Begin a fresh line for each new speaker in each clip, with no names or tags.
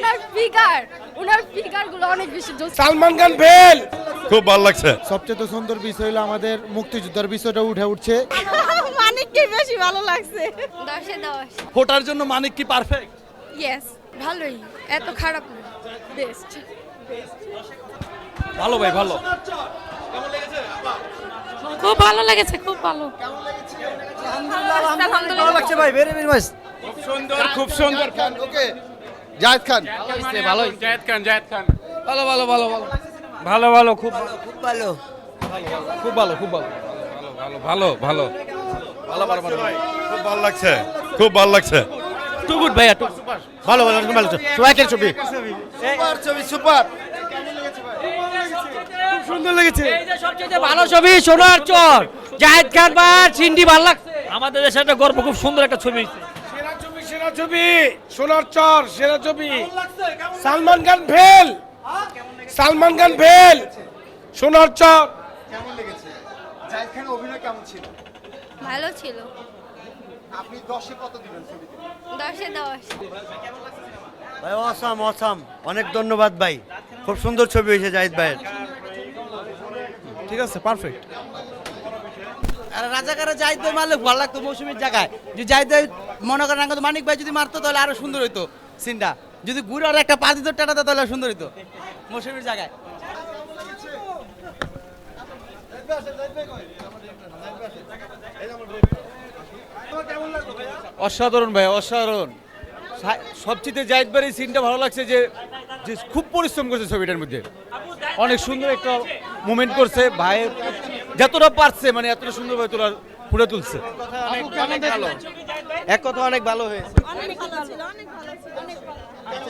উনার ফিগার গুলো অনেক বেশি জোস।
সালমান খান ফেল।
খুব ভালো লাগছে।
সবচেয়ে সুন্দর বিষয় হলো আমাদের মুক্তিযুদ্ধের বিষয়টা উঠে উঠছে।
মানিককে বেশি ভালো লাগছে। 10 এ 10।
ফোটার জন্য মানিক কি পারফেক্ট?
ইয়েস, ভালোই, এত খারাপ না, বেস্ট।
ভালো ভাই, ভালো।
খুব ভালো লেগেছে, খুব ভালো।
ভালো লাগছে
ভাই, ভেরি ভেরি নাইস।
সুন্দর, খুব সুন্দর।
ওকে, জায়েদ খান
ভালোই।
জায়েদ খান।
ভালো ভালো ভালো ভালো ভালো ভালো খুব ভালো
খুব ভালো।
খুব ভালো খুব ভালো
ভালো ভালো
ভালো ভালো ভালো
খুব ভালো লাগছে। খুব ভালো লাগছে।
টু গুড ভাইয়া, টু
ভালো ভালো ভালো সবাইকে ছবি সুপার ছবি সুপার। খুব সুন্দর লেগেছে।
সবচেয়ে ভালো ছবি সোনার চর, জায়েদ খান বা সিন্ডি ভালো লাগছে। আমাদের দেশে একটা গর্ব, খুব সুন্দর একটা ছবি হয়েছে।
সেরা ছবি সোনার চর, সেরা ছবি। সালমান খান ফেল। সালমান খান ফেল। সোনার চর। কেমন লেগেছে? জায়েদ খানের অভিনয় কেমন ছিল?
ভালো ছিল।
আপনি 10 এ কত দিবেন ছবিতে?
10 এ 10।
ভাই অসাম অসাম, অনেক ধন্যবাদ ভাই, খুব সুন্দর ছবি হয়েছে জাহিদ ভাইয়ের।
ঠিক আছে, পারফেক্ট।
আর রাজাকারে জাহিদ ভাই মারলে ভালো লাগতো মৌসুমীর জায়গায়। যদি জাহিদ ভাই মনে করেন আগে মানিক ভাই যদি মারতো তাহলে আরো সুন্দর হইতো সিনটা। যদি ঘুরে আর একটা পা দিত টাটাতে তাহলে সুন্দর হইতো মৌসুমীর জায়গায়।
অসাধারণ ভাই, অসাধারণ। সবচেয়ে জাহিদ ভাইয়ের সিনটা ভালো লাগছে যে যে খুব পরিশ্রম করছে ছবিটার মধ্যে। অনেক সুন্দর একটা মুভমেন্ট করছে ভাই, যতটা পারছে মানে এতটা সুন্দরভাবে ফুটে তুলছে।
অনেক ভালো, এক কথা অনেক ভালো হয়েছে।
অনেক ভালো ছিল, অনেক ভালো ছিল, অনেক ভালো।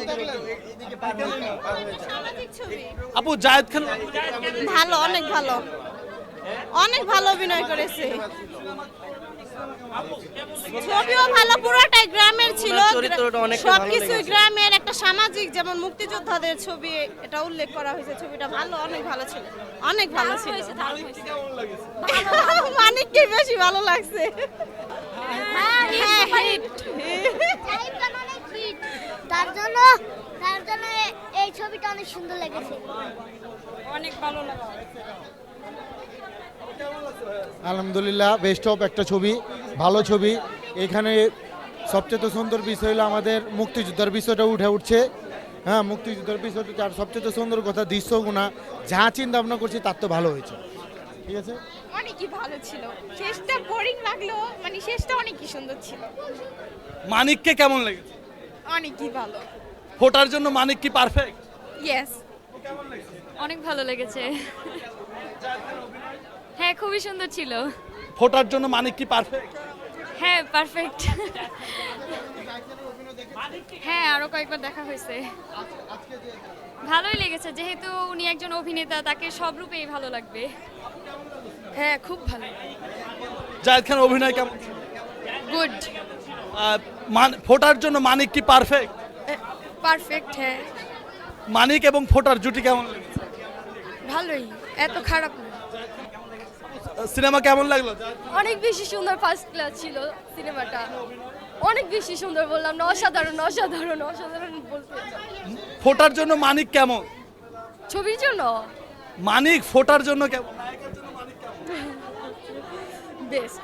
সামাজিক ছবি।
আপু জায়েদ খান
ভালো, অনেক ভালো, অনেক ভালো অভিনয় করেছে। ছবিও ভালো, পুরোটাই গ্রামের ছিল,
চরিত্রটা অনেকটা ভালো
সবকিছু
লেগেছে।
গ্রামের। একটা সামাজিক, যেমন মুক্তিযোদ্ধাদের ছবি, এটা উল্লেখ করা হয়েছে। ছবিটা ভালো, অনেক ভালো ছিল, অনেক ভালো ছিল। মানিককে বেশি ভালো লাগছে। হ্যাঁ, হিট।
জাহিদ খান অনেক হিট, তার জন্য এই ছবিটা অনেক সুন্দর লেগেছে।
অনেক ভালো লাগছে।
আলহামদুলিল্লাহ, বেস্ট অফ একটা ছবি, ভালো ছবি। এখানে সবচেয়ে সুন্দর বিষয় হলো আমাদের মুক্তিযুদ্ধের বিষয়টা উঠে উঠছে। হ্যাঁ, মুক্তিযুদ্ধের বিষয়টা, আর সবচেয়ে সুন্দর কথা দৃশ্যগুণা যা চিন্তা ভাবনা করছি তার তো ভালো হয়েছে। ঠিক আছে,
অনেকই ভালো ছিল। শেষটা বোরিং লাগলো, মানে শেষটা অনেকই সুন্দর ছিল।
মানিককে কেমন লেগেছে?
অনেকই ভালো।
ফোটার জন্য মানিক কি পারফেক্ট?
ইয়েস, অনেক ভালো লেগেছে। হ্যাঁ, খুবই সুন্দর ছিল।
ফোটার জন্য মানিক কি পারফেক্ট?
হ্যাঁ, পারফেক্ট। হ্যাঁ, আরো কয়েকবার দেখা হয়েছে। ভালোই লেগেছে, যেহেতু উনি একজন অভিনেতা, তাকে সব রূপেই ভালো লাগবে। হ্যাঁ, খুব ভালো।
জায়েদ খান অভিনয় কেমন?
গুড,
ফোটার জন্য মানিক কি পারফেক্ট?
পারফেক্ট। হ্যাঁ,
মানিক এবং ফোটার জুটি কেমন লেগেছে?
ভালোই, এত খারাপ না।
সিনেমা কেমন লাগলো?
অনেক বেশি সুন্দর, ফার্স্ট ক্লাস ছিল সিনেমাটা। অনেক বেশি সুন্দর, বললাম না, অসাধারণ অসাধারণ অসাধারণ বলতে।
ফোটার জন্য মানিক কেমন?
ছবির জন্য
মানিক ফোটার জন্য কেমন?
বেস্ট।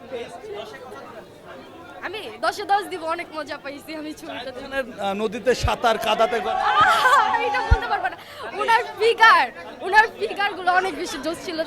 আমি 10 এ 10 দিব, অনেক মজা পাইছি আমি ছবিটাতে।
নদীতে সাঁতার, কাদাতে
এটা বলতে পারবো না। উনার ফিগার গুলো অনেক বেশি জোস ছিল।